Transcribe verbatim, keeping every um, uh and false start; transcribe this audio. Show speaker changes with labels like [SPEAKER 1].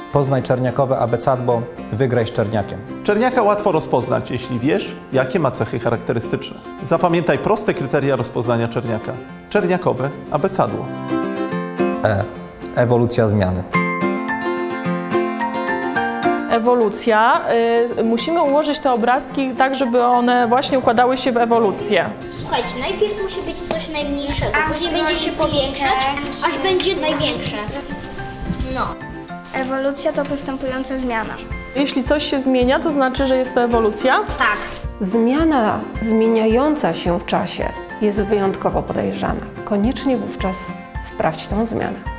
[SPEAKER 1] Poznaj czerniakowe abecadło, wygraj z czerniakiem.
[SPEAKER 2] Czerniaka łatwo rozpoznać, jeśli wiesz, jakie ma cechy charakterystyczne. Zapamiętaj proste kryteria rozpoznania czerniaka. Czerniakowe abecadło.
[SPEAKER 1] E. Ewolucja zmiany.
[SPEAKER 3] Ewolucja. Y, musimy ułożyć te obrazki tak, żeby one właśnie układały się w ewolucję.
[SPEAKER 4] Słuchajcie, najpierw musi być coś najmniejszego, później będzie się powiększać, aż będzie największe. No.
[SPEAKER 5] Ewolucja to postępująca zmiana.
[SPEAKER 3] Jeśli coś się zmienia, to znaczy, że jest to ewolucja?
[SPEAKER 4] Tak.
[SPEAKER 6] Zmiana zmieniająca się w czasie jest wyjątkowo podejrzana. Koniecznie wówczas sprawdź tą zmianę.